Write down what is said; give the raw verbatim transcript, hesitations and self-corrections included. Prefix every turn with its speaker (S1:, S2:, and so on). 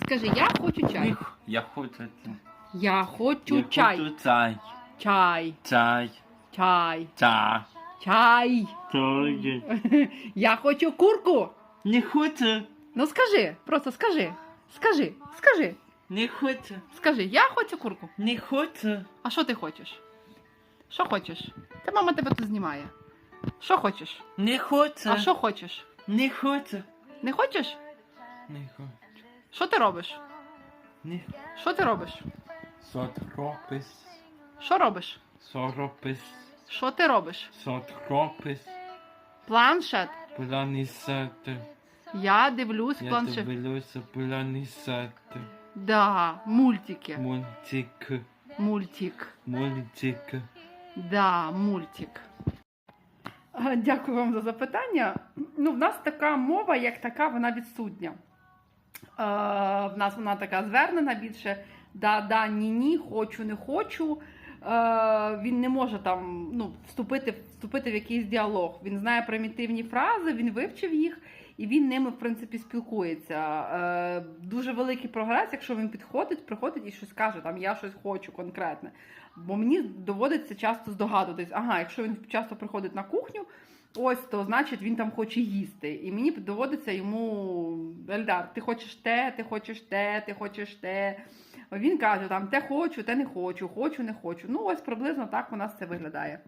S1: Скажи, я хочу чай.
S2: Я хочу.
S1: Я хочу
S2: Я
S1: чай.
S2: хочу чай.
S1: Чай.
S2: Чай.
S1: Чай.
S2: Чай.
S1: Чай.
S2: Чай.
S1: Я хочу курку.
S2: Не хочу.
S1: Ну скажи, просто скажи. Скажи, скажи.
S2: Не хочу.
S1: Скажи, я хочу курку.
S2: Не хочу.
S1: А що ти хочеш? Що хочеш? Та мама тебе тут знімає. Що хочеш?
S2: Не хочу.
S1: А що хочеш?
S2: Не хочу.
S1: Не хочеш?
S2: Не хочу.
S1: Що ти робиш?
S2: Не
S1: Що ти робиш?
S2: Сотропис.
S1: Що робиш?
S2: Соропис.
S1: Що ти робиш?
S2: Сотропис.
S1: Планшет.
S2: Планісати.
S1: Я дивлюсь
S2: Я
S1: планшет.
S2: дивлюся планісати.
S1: Да, мультики.
S2: Мультик.
S1: Мультик.
S2: Мультик.
S1: Да, мультик. А, Дякую вам за запитання. Ну, в нас така мова, як така, вона відсутня. Е, в нас вона така звернена більше да, да, ні, ні, хочу, не хочу. Е, він не може там ну, вступити, вступити в якийсь діалог. Він знає примітивні фрази, він вивчив їх і він ними, в принципі, спілкується. Е, дуже великий прогрес, якщо він підходить, приходить і щось каже, там, я щось хочу конкретне. Бо мені доводиться часто здогадуватись, ага, якщо він часто приходить на кухню, ось, то значить він там хоче їсти. І мені доводиться йому, Ельдар, ти хочеш те, ти хочеш те, ти хочеш те. Він каже, там, те хочу, те не хочу, хочу, не хочу. Ну, ось приблизно так у нас це виглядає.